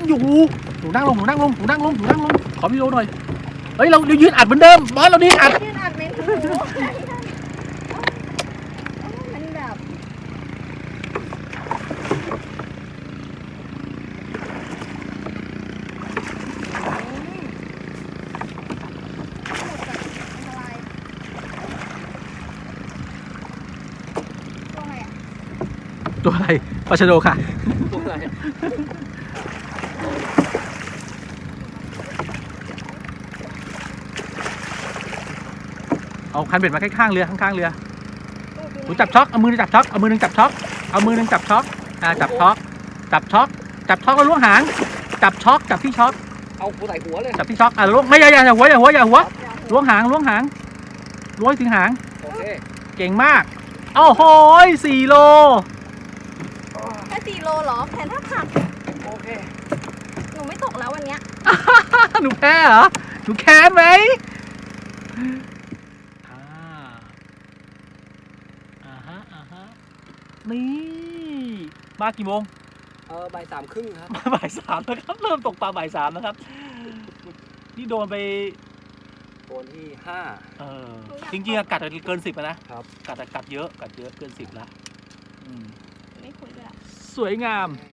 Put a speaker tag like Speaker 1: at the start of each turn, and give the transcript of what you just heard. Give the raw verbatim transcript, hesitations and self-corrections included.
Speaker 1: อยู่หนูนั่งลงหนูนั่งลงหนูนั่งลงหนูนั่งลงขอวิดีโอหน่อยเฮ้ยเราเรายืนอัดเหมือนเดิมบอสเรานี่อัด
Speaker 2: ยืนอัดเมนหูมันแบบ
Speaker 1: ตัวอะไรปลาชะโดค่ะ
Speaker 3: ตัวอะไร
Speaker 1: เอาคันเบ็ดมาข้างๆเรือข้างๆเรือหนูจับช็อกเอามือจับช็อกเอามือหนึ่งจับช็อกเอามือหนึ่งจับช็อกอ่าจับช็อกจับช็อกจับช็อกแล้วล้วงหางจับช็อกจับที่ช็อก
Speaker 3: เอาหัวใส่หัวเลย
Speaker 1: จับที่ช็อกอ่ะล้วงไม่อย่าอย่าอย่าหัวอย่าหัวอย่าหัวล้วงหางล้วงหางล้วงให้ถึงหาง
Speaker 3: โอเค
Speaker 1: เก่งมากโอ้โหสี่โล
Speaker 2: แค่สี่โลเหรอแทนถ้าผัด
Speaker 3: โอเค
Speaker 2: หนูไม่ตกแล้ววันเนี้ย
Speaker 1: หนูแพ้เหรอหนูแค้นไหมอ่าอ่าฮะอ่าฮะนี่มากี่โมง
Speaker 3: เออบ่ายสามครึ่งครับ
Speaker 1: มาบ่ายสามแล้วครับเริ่มตกปลาบ่ายสามแล้วครับนี่โดนไป
Speaker 3: โซนที่ห้า
Speaker 1: เออจริงๆอะกัดเกินสิบนะครับ กัดอะกัดเยอะกัดเยอะเกินสิบแล้วอืม
Speaker 2: ไม่คุยด้วยอะ
Speaker 1: สวยงาม